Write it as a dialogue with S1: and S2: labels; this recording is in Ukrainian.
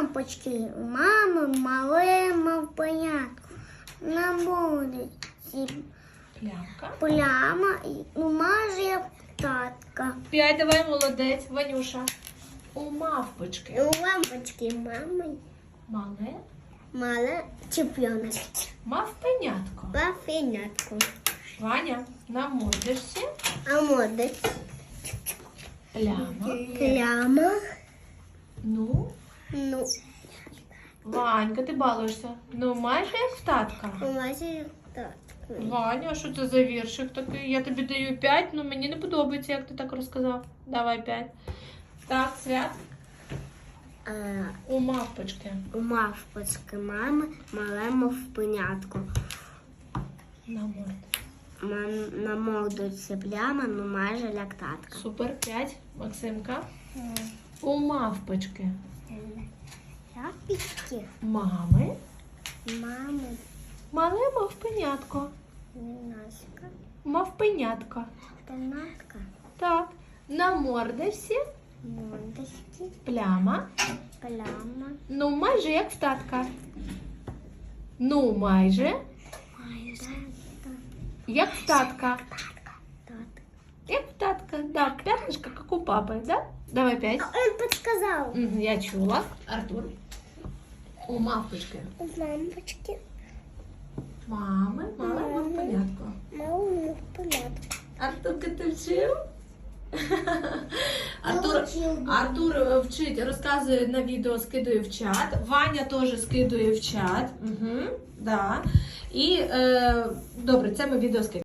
S1: лампочки у мами мале мавпенятко. На вулиці
S2: Плямка.
S1: пляма і майже як татка.
S2: 5, давай, молодець, Ванюша. У мавпочки.
S1: У лампочки мами мале чемпіонок.
S2: Мавпенятко.
S1: Мавпенятко.
S2: Ваня, на мордочці.
S1: А молодець.
S2: Пляма.
S1: Пляма.
S2: Ну,
S1: Ну,
S2: Ванька, ти балуєшся. Ну, майже як в татка.
S1: майже як татка.
S2: Ваня, а що це за віршик такий? Я тобі даю 5, ну мені не подобається, як ти так розказав. Давай 5. Так, Свят. У мавпочки.
S1: У мавпочки мами мале мавпенятко.
S2: На мордочці.
S1: На мордочці пляма, ну майже як татка.
S2: Супер, 5. Максимка. У мавпочки.
S1: Шапочки.
S2: Мами.
S1: Мами.
S2: Мале мавпенятко.
S1: Наска.
S2: Мавпенятко.
S1: Пенатка.
S2: Так. На мордочці.
S1: Мордочки.
S2: Пляма.
S1: Пляма.
S2: Ну, майже як в татка. Ну, майже
S1: Майже.
S2: як в татка.
S1: Татка.
S2: Як в татка. Да, пятнышко, как у папы, да? Давай 5.
S1: Он подсказал.
S2: Я чула. Артур. У мавпочки.
S1: У лампочки.
S2: Мами, мале мавпенятко.
S1: Малу пенатку.
S2: Артурка, ти вчив?
S1: Артур
S2: Артур вчить, розказує на відео, скидує в чат. Ваня теж скидує в чат. Да. І добре, це ми відео скидуємо.